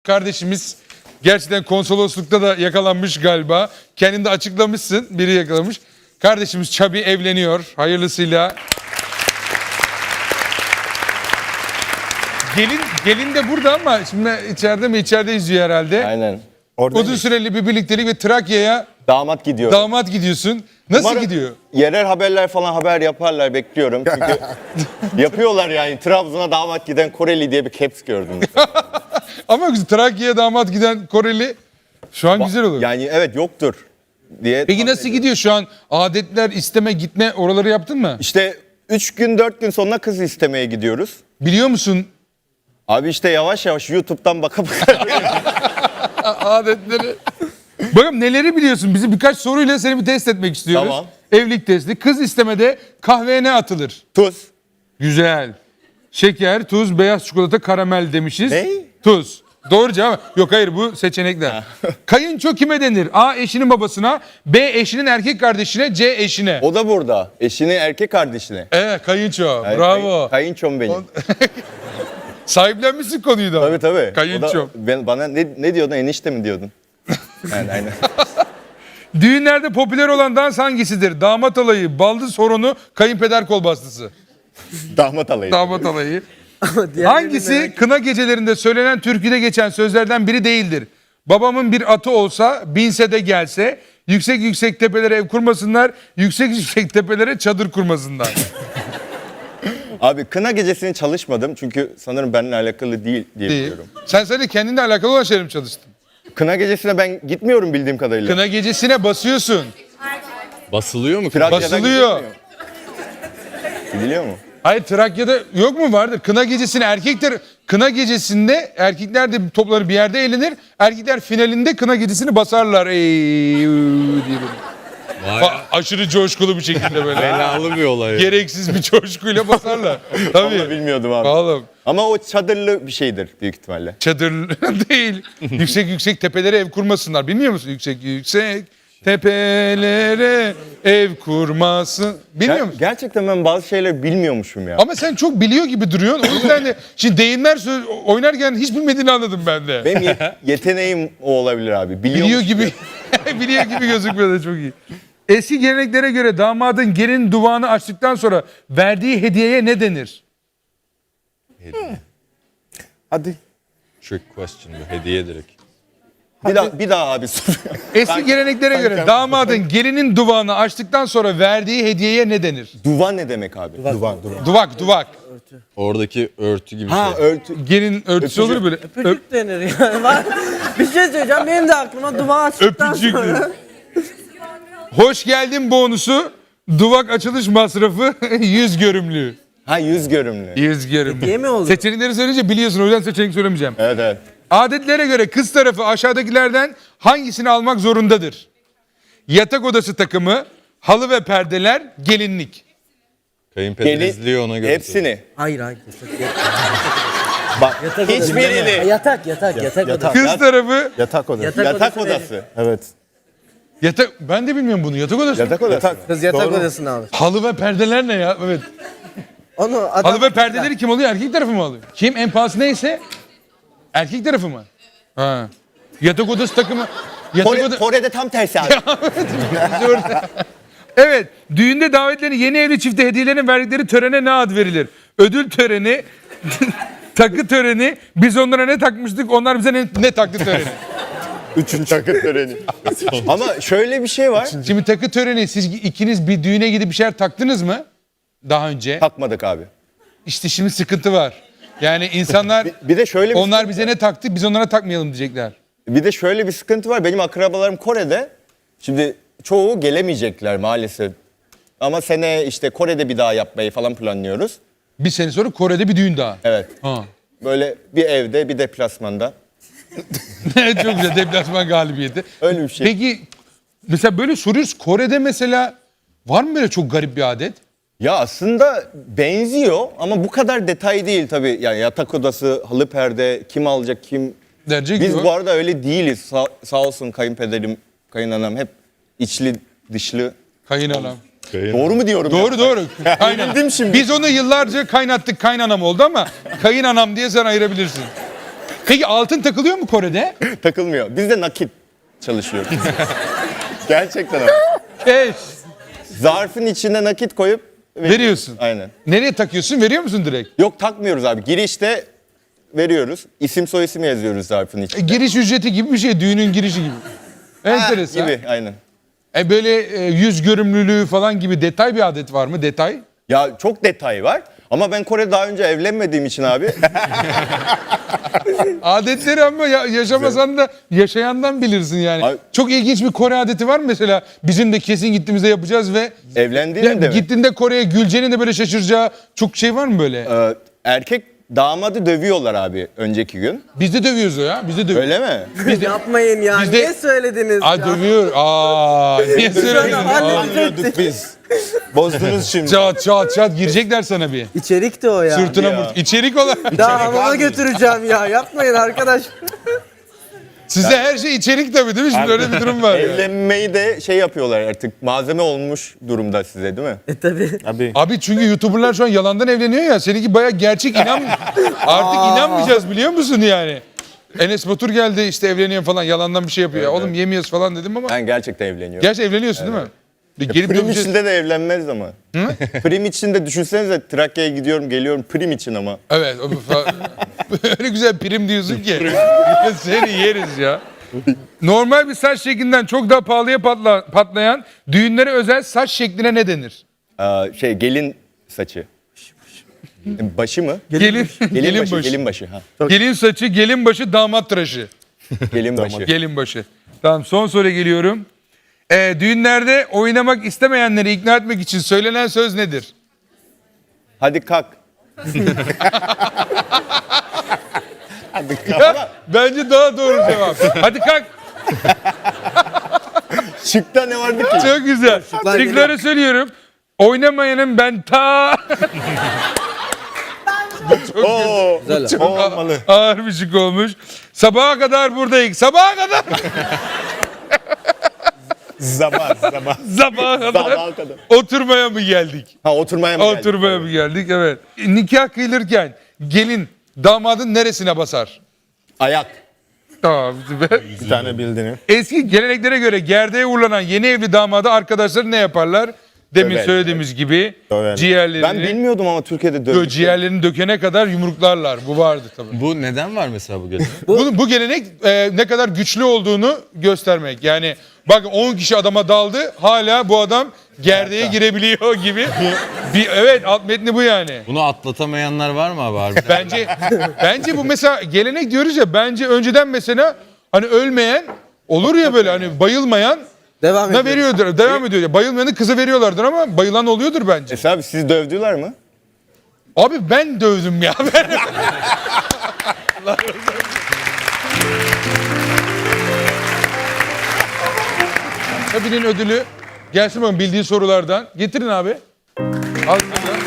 kardeşimiz gerçekten konsoloslukta da yakalanmış galiba. Kendini de açıklamışsın. Biri yakalamış. Kardeşimiz Çabi evleniyor. Hayırlısıyla. Gelin de burada ama şimdi içeride mi? İçeride izliyor herhalde. Aynen. Uzun süreli bir birliktelik ve Trakya'ya Damat gidiyor. damat gidiyorsun. Nasıl Umarım gidiyor? Yerel haberler falan haber yaparlar, bekliyorum. Çünkü yapıyorlar yani. Trabzon'a damat giden Koreli diye bir caps gördüm. Ama Trakya'ya damat giden Koreli şu an güzel olur. Yani evet, yoktur diye. Peki nasıl gidiyor şu an? Adetler, isteme, gitme oraları yaptın mı? İşte 3 gün 4 gün sonra kız istemeye gidiyoruz. Biliyor musun Abi işte yavaş yavaş YouTube'dan baka baka. adetleri? Bakalım neleri biliyorsun? Bizi birkaç soruyla seni bir test etmek istiyoruz. Tamam. Evlilik testi. Kız istemede kahveye ne atılır? Tuz. Güzel. Şeker, tuz, beyaz çikolata, karamel demişiz. Ne? Tuz. Doğru cevap. Yok hayır, bu seçenekler. Kayınço kime denir? A. Eşinin babasına, B. Eşinin erkek kardeşine, C. Eşine. O da burada. Eşinin erkek kardeşine. Evet, kayınço. Yani Bravo. Kayınçom benim. Sahiplenmişsin konuyu da. Tabii tabii. Kayınçom. Bana ne diyordun? Enişte mi diyordun? Yani aynen. Düğünlerde popüler olan dans hangisidir? Damat alayı, baldız horonu, kayınpeder kol bastısı. Damat alayı. Damat alayı. Diğerlerini Hangisi merak- kına gecelerinde söylenen türküde geçen sözlerden biri değildir? Babamın bir atı olsa, binse de gelse, yüksek yüksek tepelere ev kurmasınlar, yüksek yüksek tepelere çadır kurmasınlar. Abi kına gecesini çalışmadım çünkü sanırım benimle alakalı değil diye Değil. biliyorum. Sen sadece kendinle alakalı olan şeyler mi çalıştın? Kına gecesine ben gitmiyorum bildiğim kadarıyla. Kına gecesine basıyorsun. Basılıyor mu? Trakya'dan Basılıyor. gidilmiyor. Gidiliyor mu? Hayır, Trakya'da yok mu, vardır? Kına gecesine erkekler, kına gecesinde erkekler de toplanır bir yerde eğlenir. Erkekler finalinde kına gecesini basarlar. Ey diye böyle. Vay, Aşırı coşkulu bir şekilde böyle. belalı bir olay. Gereksiz bir coşkuyla basarlar. Vallahi Tabii. bilmiyordum abi. Oğlum, Ama o çadırlı bir şeydir büyük ihtimalle. çadır değil. Yüksek yüksek tepelere ev kurmasınlar. Bilmiyor musun? Yüksek yüksek tepelere ev kurmasın. Bilmiyor musun? Gerçekten ben bazı şeyleri bilmiyormuşum ya. Ama sen çok biliyor gibi duruyorsun. O yüzden de şimdi deyimler oynarken hiç bilmediğini anladım ben de. Benim yeteneğim o olabilir abi. Biliyor gibi biliyor gibi gözükmüyor da çok iyi. Eski geleneklere göre damadın gelin duvağını açtıktan sonra verdiği hediyeye ne denir? Hadi. Trick question bu. Hediye direkt. Bir daha abi sor. Eski geleneklere göre damadın gelinin duvağını açtıktan sonra verdiği hediyeye ne denir? Duvan ne demek abi? Duvan. Duvak. Oradaki örtü gibi Ha şey. örtü. Gelin örtüsü olur böyle. Öpücük denir yani. Bir şey söyleyeceğim, benim de aklıma duvar açtıktan Öpücük. sonra. Hoş geldin bonusu. Duvak açılış masrafı 100 görümlü. Ha yüz görümlü. 100 görümlü. Hediye mi oldu? Seçenekleri söyleyince biliyorsun, o yüzden seçenek söylemeyeceğim. Evet evet. Adetlere göre kız tarafı aşağıdakilerden hangisini almak zorundadır? Yatak odası takımı, halı ve perdeler, gelinlik. Kayınpeder izliyor ona göre. Hepsini. Hayır. Bak Yatak hiçbirini. Yatak odası. Kız tarafı Yatak odası. Yatak odası odası. Evet. yatak, ben de bilmiyorum bunu, yatak odası. Yatak odası. Kız yatak odasını alır. Halı ve perdeler ne ya? Evet. Onu adam... Halı ve perdeleri kim alıyor? Erkek tarafı mı alıyor? Kim? En pahalısı neyse erkek tarafı mı? Ha. Yatak odası takımı. Kore'de tam tersi abi. Evet. Düğünde davetlerin yeni evli çifte hediyelerin verdikleri törene ne ad verilir? Ödül töreni, takı töreni, biz onlara ne takmıştık, onlar bize ne taktı töreni. Üçüncü takı töreni. Ama şöyle bir şey var. Şimdi takı töreni, siz ikiniz bir düğüne gidip bir şeyler taktınız mı? Daha önce. Takmadık abi. İşte şimdi sıkıntı var. Yani insanlar Bir de şöyle bir onlar bize ne taktı, biz onlara takmayalım diyecekler. Bir de şöyle bir sıkıntı var. Benim akrabalarım Kore'de. Şimdi çoğu gelemeyecekler maalesef. Ama sene işte Kore'de bir daha yapmayı falan planlıyoruz. Bir sene sonra Kore'de bir düğün daha. Evet. Ha. Böyle bir evde bir deplasmanda. Çok güzel, deplasman galibiyeti. Öyle bir şey. Peki mesela böyle soruyoruz, Kore'de mesela var mı böyle çok garip bir adet? Ya aslında benziyor ama bu kadar detay değil tabii. Yani yatak odası, halı perde, kim alacak kim. Derece Biz gibi. bu arada öyle değiliz. Sağ olsun kayınpederim, kayınanam hep içli dışlı. Kayınanam. Doğru mu diyorum? Doğru. Aynen. Bildim şimdi. Biz onu yıllarca kaynattık, kaynanam oldu ama kayınanam diye sen ayırabilirsin. Peki altın takılıyor mu Kore'de? Takılmıyor. Biz de nakit çalışıyoruz. Gerçekten ama. Evet. Zarfın içine nakit koyup Veriyorsun. Aynen. Nereye takıyorsun? Veriyor musun direkt? Yok takmıyoruz abi. Girişte veriyoruz. İsim soy isim yazıyoruz zarfın içine. Giriş ücreti gibi bir şey. Düğünün girişi gibi. Enteresan. Gibi aynen. Böyle yüz görümlülüğü falan gibi detay bir adet var mı? Detay? Ya çok detay var. Ama ben Kore daha önce evlenmediğim için abi. Adetleri ama yaşamasan da yaşayandan bilirsin yani. Abi- Çok ilginç bir Kore adeti var mı mesela? Bizim de kesin gittiğimizde yapacağız ve Evlendiğinde mi? gittiğinde Kore'ye Gülce'nin de böyle şaşıracağı çok şey var mı böyle? Erkek damadı dövüyorlar abi önceki gün. Biz de dövüyoruz o ya. Biz de dövüyoruz. Öyle mi? Yapmayın ya. Bizde- Niye söylediniz Aa ya? dövüyor. niye söyledin? Halledecektik. biz. Bozdunuz şimdi. Çat çat çat girecekler sana bir. İçerik de o ya. Sırtına mırt. İçerik olarak. Daha hamama götüreceğim ya. Yapmayın arkadaş. Sizde her şey içerik tabii değil mi? Şimdi öyle bir durum var. ya. Evlenmeyi de şey yapıyorlar artık. Malzeme olmuş durumda size değil mi? Tabii. Abi. Abi çünkü YouTuber'lar şu an yalandan evleniyor ya. Seninki bayağı gerçek artık inanmayacağız biliyor musun yani? Enes Batur geldi işte evleniyor falan yalandan bir şey yapıyor. Ya, oğlum yemiyoruz falan dedim ama. Ben gerçekten evleniyorum. Gerçi evleniyorsun değil mi? Gelip Prim döveceğiz. içinde de evlenmez ama. Prim içinde düşünsenize Trakya'ya gidiyorum geliyorum prim için ama. Evet. Öyle güzel prim diyorsun ki. Seni yeriz ya. Normal bir saç şeklinden çok daha pahalıya patlayan düğünlere özel saç şekline ne denir? Gelin saçı. Başı mı? Gelin başı. Gelin başı. Ha. Gelin saçı, gelin başı, damat tıraşı. Gelin başı. Gelin başı. Tamam son soruya geliyorum. Düğünlerde oynamak istemeyenleri ikna etmek için söylenen söz nedir? Hadi kalk. Ya, bence daha doğru cevap. Hadi kalk. Şıkta ne vardı ki? Çok güzel. Şıkları söylüyorum. Oynamayanın ben Oo. Olmalı. ağır bir şık olmuş. Sabaha kadar buradayız. Sabaha kadar. Zaman. Sabaha kadar. Sabaha kadar. Oturmaya mı geldik? Ha oturmaya mı geldik? Oturmaya mı geldik? Evet. Nikah kıyılırken gelin damadın neresine basar? Ayak. Tamam. Süper. Bir tane bildiğini. Eski geleneklere göre gerdeğe uğurlanan yeni evli damada arkadaşları ne yaparlar? Demin Döver. söylediğimiz gibi Döver. ciğerlerini, Ben bilmiyordum ama Türkiye'de dövüş. ciğerlerini dökene kadar yumruklarlar. Bu vardı tabii. Bu neden var mesela bu gelenek? Bu gelenek ne kadar güçlü olduğunu göstermek. Yani bak 10 kişi adama daldı hala bu adam gerdeğe girebiliyor gibi. Evet alt metni bu yani. Bunu atlatamayanlar var mı abi harbiden? Bence bu mesela gelenek diyoruz ya bence önceden mesela hani ölmeyen olur ya böyle hani bayılmayan Devam ne ediyor. veriyordur devam ediyor. Ya, bayılmayanı kıza veriyorlardır ama bayılan oluyordur bence. Esra abi sizi dövdüler mi? Abi ben dövdüm ya. Tabi'nin ödülü gelsin bakalım bildiği sorulardan. Getirin abi. Al burada.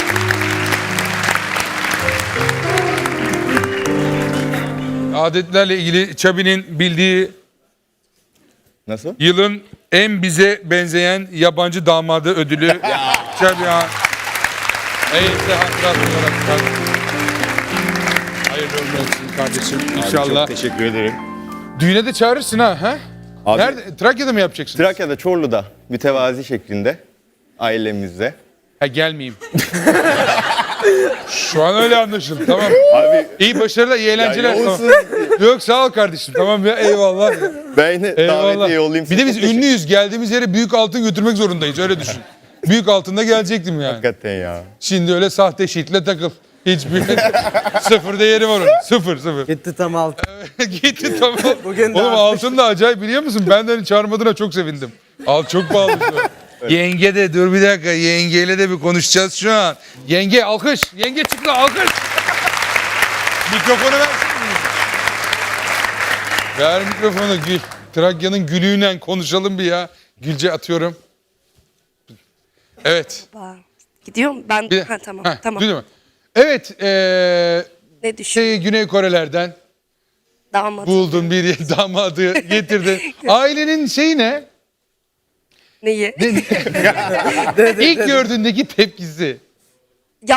Adetlerle ilgili Çabi'nin bildiği Nasıl? yılın en bize benzeyen yabancı damadı ödülü. Çabi Han. Eğitimde hatırat olarak. Hayırlı uğurlu olsun kardeşim. İnşallah. Çok teşekkür ederim. Düğüne de çağırırsın ha. Abi, Nerede? Trakya'da mı yapacaksın? Trakya'da Çorlu'da mütevazi şeklinde ailemizle. Ha gelmeyeyim. Şu an öyle anlaşıldı tamam. Abi İyi başarılar, iyi eğlenceler. ya Tamam. olsun. Yok sağ ol kardeşim tamam ya eyvallah. Ben yine Eyvallah. davetiye yollayayım. Bir de biz Çok teşekkür- ünlüyüz. Geldiğimiz yere büyük altın götürmek zorundayız öyle düşün. Büyük altında gelecektim yani. Hakikaten ya. Şimdi öyle sahte şiitle takıl. Hiçbir sıfır değeri var onun. Sıfır. Gitti tam altı. Gitti tamam. Bugün de Oğlum artmış. altın da acayip biliyor musun? Ben de hani çağırmadığına çok sevindim. Çok pahalı şu an. Yenge de dur bir dakika yengeyle de bir konuşacağız şu an. Yenge alkış. Yenge çıktı alkış. Mikrofonu versene. Ver mikrofonu Gül. Trakya'nın gülüyle konuşalım bir ya. Gülce atıyorum. Evet. Gidiyorum ben. Bir- Ha, tamam. Heh, Tamam. duydun mu? Evet. Ne düşün? Güney Korelerden Damat. buldun bir damadı getirdin. Ailenin şeyi ne? Neyi? İlk gördüğündeki tepkisi. Ya bir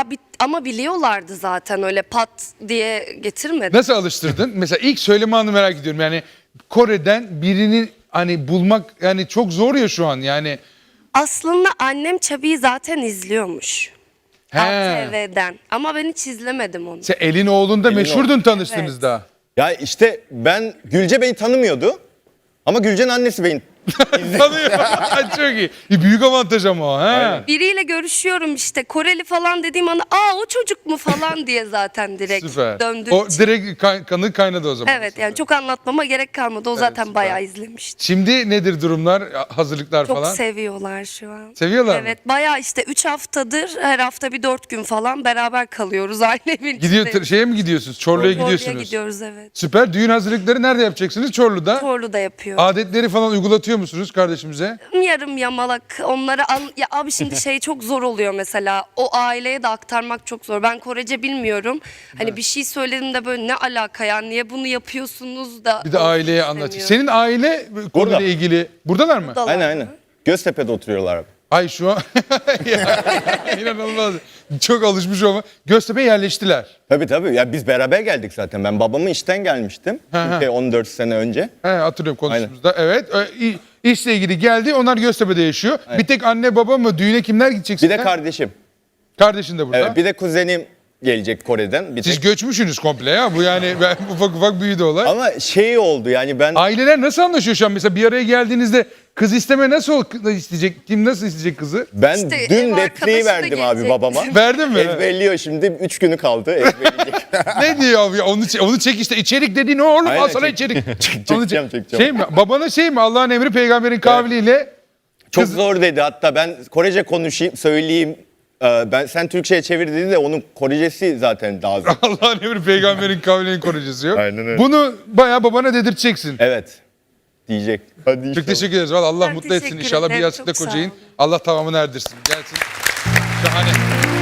Ama biliyorlardı zaten, öyle pat diye getirmedim. Nasıl alıştırdın? Mesela ilk söyleme anını merak ediyorum. Yani Kore'den birini hani bulmak yani çok zor ya şu an yani. Aslında annem Çabi'yi zaten izliyormuş. He. ATV'den. Ama ben hiç izlemedim onu. Sen elin oğlunda Elin meşhurdun tanıştınız Evet. da. Ya işte ben Gülce beni tanımıyordu. Ama Gülce'nin annesi beni Tanıyor. Çok iyi. Büyük avantaj ama o. He. Biriyle görüşüyorum işte, Koreli falan dediğim anda o çocuk mu falan diye zaten direkt Süper. döndüğü O için. direkt kanı kaynadı o zaman. Evet, yani çok anlatmama gerek kalmadı. O zaten süper. bayağı izlemişti. Şimdi nedir durumlar? Hazırlıklar Çok falan? seviyorlar şu an. Seviyorlar mı? Evet, bayağı işte 3 haftadır her hafta bir 4 gün falan beraber kalıyoruz aynı evin Gidiyor içinde. şeye mi gidiyorsunuz? Çorlu'ya Oraya gidiyorsunuz. gidiyoruz, evet. Süper. Düğün hazırlıkları nerede yapacaksınız? Çorlu'da. Çorlu'da yapıyor. Adetleri falan uygulatıyor musunuz kardeşimize? Yarım yamalak onlara ya abi şimdi şey çok zor oluyor mesela, o aileye de aktarmak çok zor. Ben Korece bilmiyorum. Hani bir şey söyledim de böyle ne alaka ya, niye bunu yapıyorsunuz da. Bir de aileye anlat. Senin aile konuyla ilgili buradalar mı? Buradalar Aynen mı? aynen. Göztepe'de oturuyorlar abi. Ay şu an Ya, inanılmaz. Çok alışmış olma. Göztepe'ye yerleştiler. Tabii. Ya biz beraber geldik zaten. Ben babamın işten gelmiştim. Türkiye 14 sene önce. He, hatırlıyorum konuştuğumuzda. Evet. İşle ilgili geldi. Onlar Göztepe'de yaşıyor. Bir tek anne baba mı? Düğüne kimler gidecek Bir de sizden? kardeşim. Kardeşin de burada. Evet, bir de kuzenim gelecek Kore'den. Bir Siz tek. göçmüşsünüz komple ya. Bu yani ufak ufak büyüdü olay. Ama şey oldu yani ben Aileler nasıl anlaşıyor şu an? Mesela bir araya geldiğinizde kız isteme nasıl isteyecek? Kim nasıl isteyecek kızı? İşte dün ev repliği arkadaşı da verdim abi gelecek. babama. Verdin mi? Ezberliyor şimdi. 3 günü kaldı. Ezberleyecek. Ne diyor abi? Onu çek işte. İçerik dediğin o oğlum. Aynen, Al sana çek. içerik. Çekeceğim. Şey mi? Babana şey mi? Allah'ın emri peygamberin kavliyle. Çok zor dedi hatta ben Korece konuşayım, söyleyeyim. Sen Türkçe'ye çevir dedi de onun Korecesi zaten daha zor. Allah'ın emri peygamberin kavlinin koruyucusu yok. Aynen öyle. Bunu bayağı babana dedirteceksin. Evet. Diyecek. Hadi Çok inşallah. teşekkür ederiz. Vallahi Allah Ben mutlu etsin teşekkür inşallah. Bir ederim. yastıkla Çok sağ kocayın. olun. Allah tamamını erdirsin. Gelsin. Şahane.